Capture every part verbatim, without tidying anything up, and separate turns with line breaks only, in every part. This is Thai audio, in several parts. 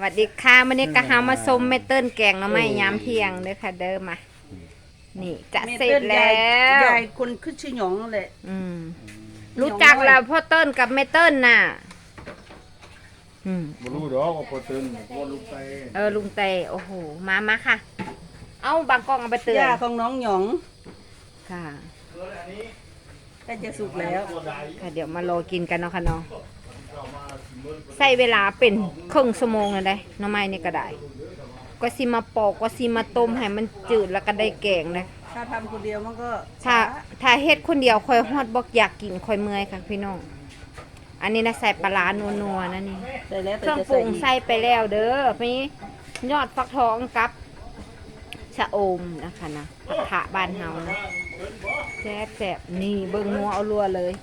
วัสดีค่ะวันนี้ก็หามาส้มเมเติ้ลแกงหน่อไม้ยามเที่ยงเด้อค่ะเด้อมานี่จะเสร็จแล้ว
ยายคนขึ้นชื่อหยองนั่นแหละ
อืมรู้จักแล้วพ่อเติ้ลกับเมเติ้ลน่ะอืม
บ่รู้ดอกว่าพ่อเติ้ลพ่อลุงเต
เออลุงเตโอ้โหมามาค่ะเอาบางกล้องเอาไปเตือน
ย่าของน้องหยอง
ค่ะ
ใกล้จะสุกแล้ว
ค่ะเดี๋ยวมารอกินกันเนาะค่ะเนาะใช้เวลาเป็นครึ่งชั่วโมงเลยได้หน่อไม้นี่ก็ได้ก็สิมาปอกก็สิมาต้มให้มันจืดแล้วก็ได้แกงเลย
ถ้าทำคนเดียวมันก็
ถ้าถ้าเฮ็ดคนเดียวคอยฮอดบอกอยากกินคอยเมื่อยค่ะพี่น้องอันนี้นะใส่ปลาร้านัวๆนะนี่
ใส่แล้ว
เครื่องปรุงใส่ไปแล้วเด้อมียอดฟักทองกับชะอมนะคะนะผักขะบ้านเฮานะแซ่บๆนี่เบิ่งนัวเอารัวเลย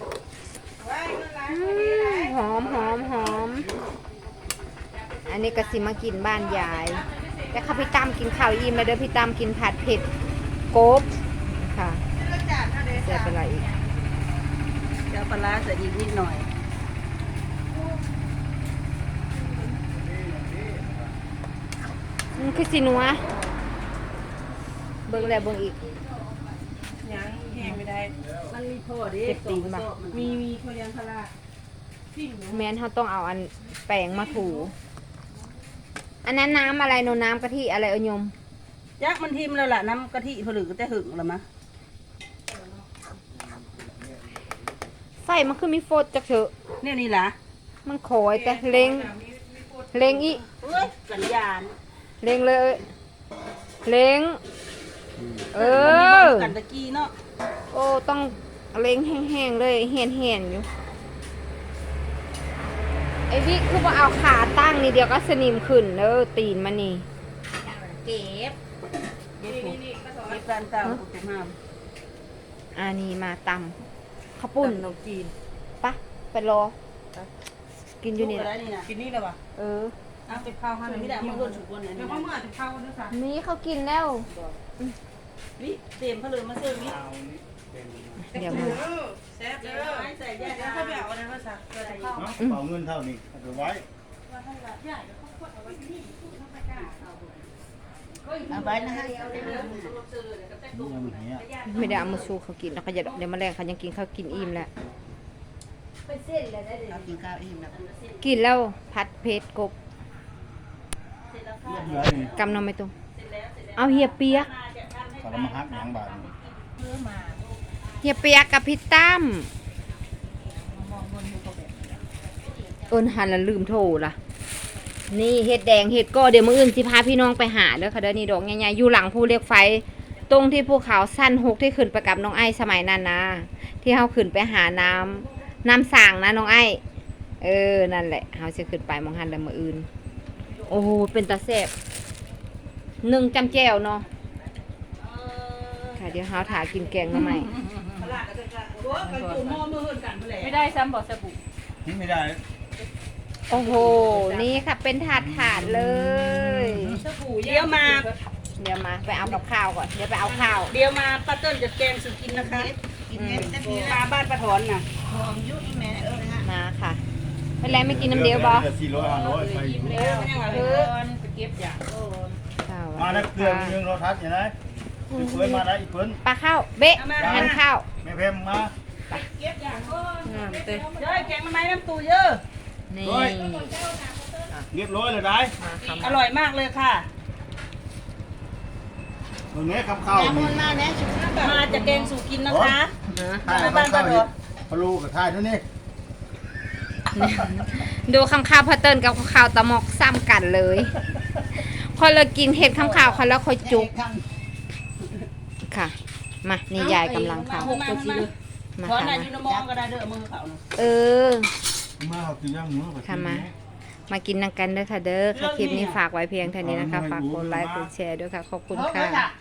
หอมหอมหอมอันนี้ก็สิมากินบ้านยายแต่ค่ะพี่ตั้มกินข้าวอิ่มแล้วเด้อพี่ตั้มกินผัดเผ็ดโกบค่ะแซ่บเป็นไรอีก
เดี๋ยวปลาใส่อีกนิดหน่อย
มันคือสินัวเบิ่งแล้วเบิ่งอีก
ยังแห้งไม่ได้มันมีพ่อดิมีมีพ่อเลี้ยงพลา
แม่นเขาต้องเอาอันแป้งมาถูอันนั้นน้ำอะไรโนน้ำกะทิอะไรเอ่ยยม
ยักษ์มันทิมแล้วล่ะน้ำกะทิผลึกก็จะหึงหรอมะ
ใส่มันคือมีโฟดจักเถอะ
เนี่ยนี่ล่ะ
มันคอยแต่เล็งเล็งอี
เอ้ยสัญญาณ
เล็งเลยเล็งเออ
กันตะกี้เนาะ
โอ้ต้องเล็งแห้งๆเลยเห็นเห็นอยู่ไอ้วิคือว่าเอาขาตั้งนี่เดียวก็สนิมขึ้นเออตีนมันนี่
เก็บเก็บนี่ก็เก็บการเต่าถูกห้าม
อันนี้มาตำข้าวปุ้น
นมจีน
ปะไปรอกินอยู่นี่
กินนี่เลยว่ะ
เออ
เอาไปข้าวให้ไม่ได้มาเพิ่มฉุกวันไหนเดี๋ยวเขาเมื่อจะข้าวนะจ๊ะ
นี่เขากินแล้ว
วิเต็มเขาเลยมาเสิร์ฟวิ
เดี๋ยวมา
แซ่บเลยใส่แยกแล้วเขาไปเอาอะไรมาสั่งเกิดข้าว
เป่าเงินเท่านี้เอาไว้
เอาไว้นะฮะ
ไม่ได้เอามาชูเขากินแล้วเขาจะเดี๋ยวมาแรงเขายังกินเขากินอิ่มแล้ว
กินข้าวอิ่มแล้ว
กินแล้วผัดเผ็ดกบกำนำไม่ตรงเอาเฮียเปียก
สารมหักหนังบาด
เฮียเปียกกับพี่ตั้มเอิญหันแล้วลืมโทรล่ะนี่เห็ดแดงเห็ดก็เดี๋ยวมื้ออื่นสิพาพี่น้องไปหาเด้อค่ะเด้อนี่ดอกใหญ่ๆอยู่หลังภูเหล็กไฟตรงที่ภูเขาสั้นหกที่ขึ้นไปกับน้องไอ้สมัยนั้นนะที่เฮาขึ้นไปหาน้ำน้ำสางนะน้องไอ้เออนั่นแหละเฮาสิขึ้นไปมองหันแล้วมื้ออื่นโอ้โหเป็นตาแซ่บหนึ่งจำแจ่วเนาะค่ะเดี๋ยวเฮาถากินแกงมาใหม่
ไม่ได้ซ้ำบอกสบู่
ไม่ได้
โอ้โหนี่ค่ะเป็นถาดถาดเลย
เดี๋ยวมา
เดี๋ยวมาไปเอากับข้าวก่อนเดี๋ยวไปเอาข้าว
เดี๋ยวมาป้าเติ้ลจะแกงสุกินนะคะกินเห็ดปลาบ้านป้าถอนน่ะหอมยุ่ยแม่เออ
มาค่ะไม่แล้วไม่กินน้ำเดียวบอ
สี่ร้อยห้าร้อยไปอยู่
เออไปเก็บอย่าง
มาแล้วเกลือมีรสทัดอย่างไรเพื่อนมาได้อีกเพื่อน
ปลาข้าวเบ๊ะหั่นข้าว
แม่เพิ่มมา
เก็บอย่างก็เต้เฮ้ยแกงมันไม้น้ำตูเยอะ
นี่
เรียบร้อยเลยได้
อร่อยมากเลยค่ะ
ตรงนี้คำข้าว
มาจะแกงสู่กินนะคะ
มาบ้านป้าถอนพะโล้กับท้ายนั่นนี่
ดูคำข้าวพอเติ้ลกับข้าวตะมอกซ้ำกันเลยคอยเรากินเห็ดคำข้าวคอยแล้วคอยจุกค่ะมานี่ยายกำลังทำ
มาขอหน่อยยูนมองก็ได้เด้อมือเขา
เออ
มาเขากินย่างหมู
ค่ะมามากินนังกันเด้อค่ะเด้อค่ะคลิปนี้ฝากไว้เพียงเท่านี้นะคะฝากกดไลค์กดแชร์ด้วยค่ะขอบคุณค่ะ